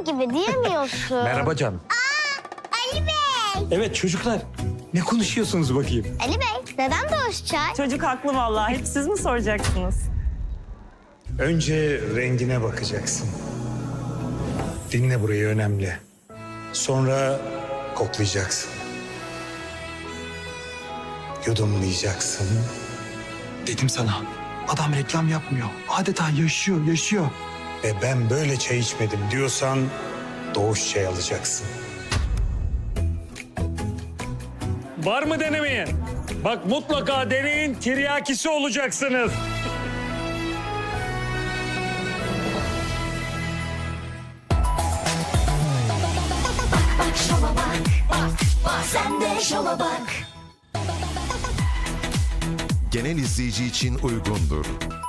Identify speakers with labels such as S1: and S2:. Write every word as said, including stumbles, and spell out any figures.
S1: Adam gibi diyemiyorsun.
S2: Merhaba canım.
S1: Ali Bey.
S2: Evet çocuklar. Ne konuşuyorsunuz bakayım?
S1: Ali Bey, neden Doğuş çay?
S3: Çocuk haklı vallahi. Hep siz mi soracaksınız?
S4: Önce rengine bakacaksın. Dinle burayı, önemli. Sonra koklayacaksın. Yudumlayacaksın.
S2: Dedim sana. Adam reklam yapmıyor. Adeta yaşıyor, yaşıyor.
S4: Ve ben böyle çay içmedim diyorsan Doğuş çay alacaksın.
S5: Var mı denemeye? Bak mutlaka deneyin, tiryakisi olacaksınız.
S6: Genel izleyici için uygundur.